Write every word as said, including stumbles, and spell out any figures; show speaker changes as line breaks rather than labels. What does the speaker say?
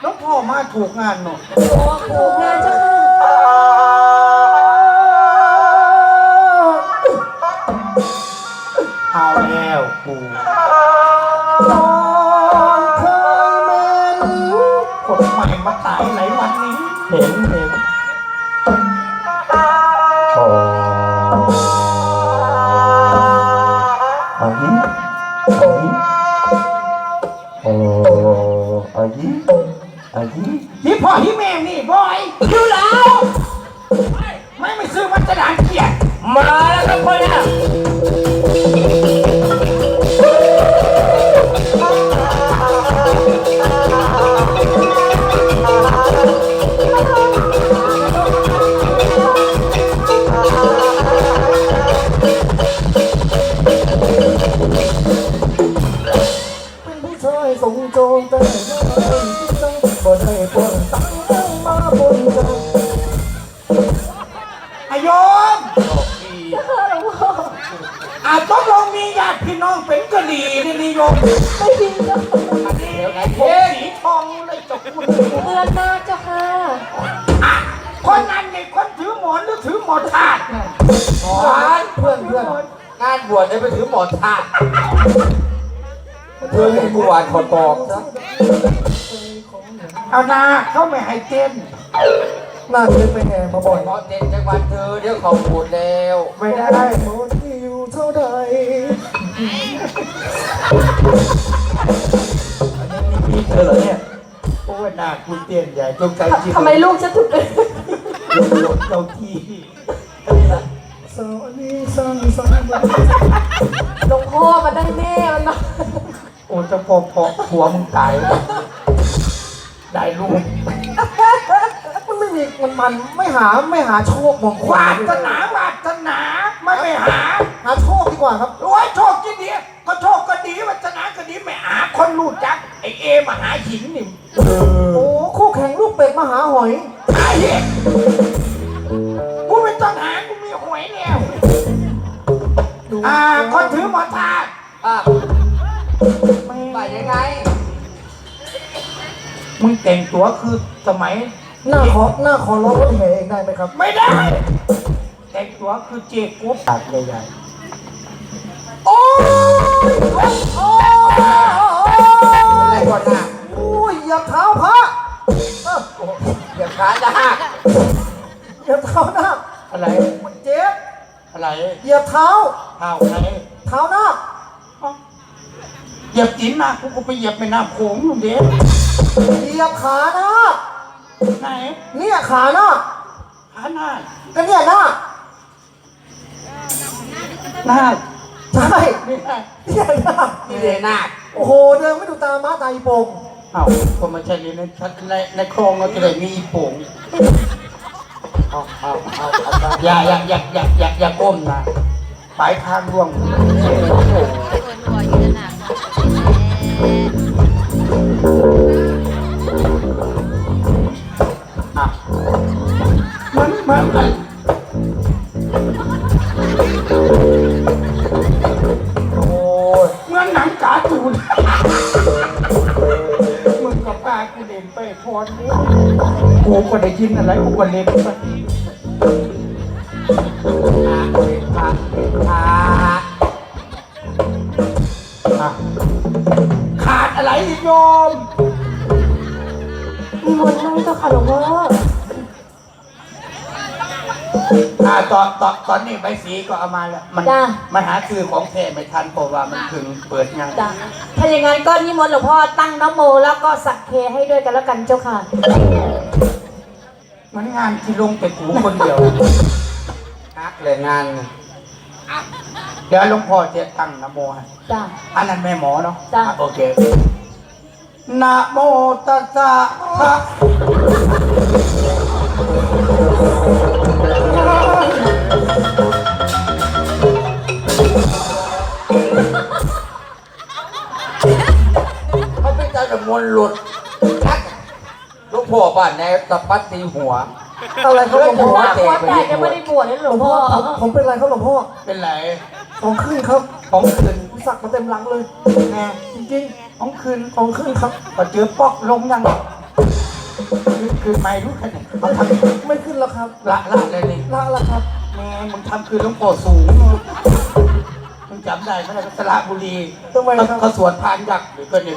น้องพ่อมาถูกงานเนาะ
ถูกงานเจ้า
เอาแล้วกูตอนเคยเมนคนใหม่มาตายไหนวันนี้เห็นเห็นโอ้อายิอายิโอ้อายิอายิฮิพ่อฮิแม่นี่บอยดูแล้วไม่ไม่ซื้อมันจะด่างเกียรติมาแล้วครับพ่อเนี่ยส่งโจมแต่ยังไม่ต้องบ่ได้ปนตั้งมาบนจังอายมอาจต้องลองมีญาติพี่น้องเป็นกะดีนี่นิยม
ไม่จริงเจ้า
เดี๋ยวไอ้พวกสีทองเลยจบคุณ
เตือนมาเจ้าค่ะ
คนนั้นนี่คนถือหมอนหรือถือหมอนถาดหมอนเพื่อนเพื่อนงานบวชได้ไปถือหมอนถาดเพื่อนให้กูวานขอตอกซะเอาหน้าเขาไม่ให้เต้นหน้าเต้นไปไงมาบ่อยเพราะเต้นจังหวัดเธอเดี๋ยวเขาพูดแล้วไม่ได้หมดที่อยู่เท่าใดอันนี้มีเธอเหรอเนี่ยโอ้ยหน้าคุณเต้นใหญ่จงใจจริง
ทำไมลูกฉันถูกเลย
หลบเจ้าที่สวัสดีสังสรรค์
หลวงพ่อมาได้แม่มันมา
โอ้จะพอพอหัวมึงตายได้ลูกมันไม่มีมันมันไม่หาไม่หาโชคมงคลวาสนาวาสนาไม่ไปหาหาโชคดีกว่าครับโอ้ยโชคที่ดีก็โชคก็ดีวาสนาก็ดีไม่หาคนรู้จักไอเอมาหาหินนี่โอ้คู่แข่งลูกเป็ดมาหาหอยไอ้เหี้ยกูไม่ต้องหากูมีหอยแล้วอ่าคนถือหมอทาอ่าไปยังไงมึงแต่งตัวคือสมัยหน้าขอหน้าขอร้องรถแห่เองได้ไหมครับไม่ได้แต่งตัวคือเจ๊กุ๊บตัดใหญ่ๆโอ้ยโอ้ยอะไรก่อนนะโอ้ยอย่าเท้าพระอย่าขาจะหักอย่าเท้าหน้าอะไรมันเจ็บอะไรอย่าเท้าเท้าใครเท้าหน้าเหยียบจีนมากูก็ไปเหยียบไปน้ำโขงอยู่เด็กเหยียบขาหน้าไหนเนี่ยขาหน้าขาหน้าก็เนี่ยหน้าหน้าใช่เนี่ยหน้านี่เลยหน้าโอ้โหเดินไม่ดูตาม้าตาอีโป่งเอ้าคนมาใช่ในในในคลองเราจะได้มีอีโป่งเอาเอาเอาอย่าอย่าอย่าอย่าอย่าอย่าก้มนะปลายทางร่วงอ่ะมันมันมันโอ้ยเหมือนหนังกาตูนมึงกับป้ากูเล่นไปพอดกูก็ได้ยินอะไรกูก็เล่นไปขาขาดอะไรอีกโยม
มีมนต์นั่งเจ้าค่ะหลวงพ่อ
อ่าตอนตอนตอนนี้ใบสีก็เอามาแล้วมันมันหาซื้อของแท้ไม่ทันเพราะว่ามันถึงเปิดงาน
จ้ะถ้าอย่างนั้นก็นิมนต์หลวงพ่อตั้งนะโมแล้วก็สักเคให้ด้วยกันแล้วกันเจ้าค่ะ
มันงานที่ลงแต่กูคนเดียวฮักเลยงานเดี๋ยวหลวงพ่อจะตั้งนะโมให้
จ้ะ
อันนั้นแม่หมอเนาะ
จ้ะ
โอเคนะโมตัสสะภะเขาเป็นเจ้าดมนหลุดชักลูกพ่อบ้านในตะปัดตีหัวอะไรเขาหลวงพ่อ
หัวแตกยังไม่ได้บวชเลยหลวงพ่อ
ผมเป็นไรเขาหลวงพ่อเป็นไรของขึ้นครับของขึ้นสักมาเต็มหลังเลยไงจริงๆของขึ้นของขึ้นครับพอเจอป๊อกลงยังคืนไม่รู้แค่ไหนเขาท
ไม่ขึ้นแล้วครับ
ำละละเลยนี่
ละละครับ
แม่มึงทำคืนหลวงพ่อสูงมึงจำได้ไหมล่ะสระบุรี
ทำไมครับ
เขาสวดพานยักษ์หรือก็เนี่ย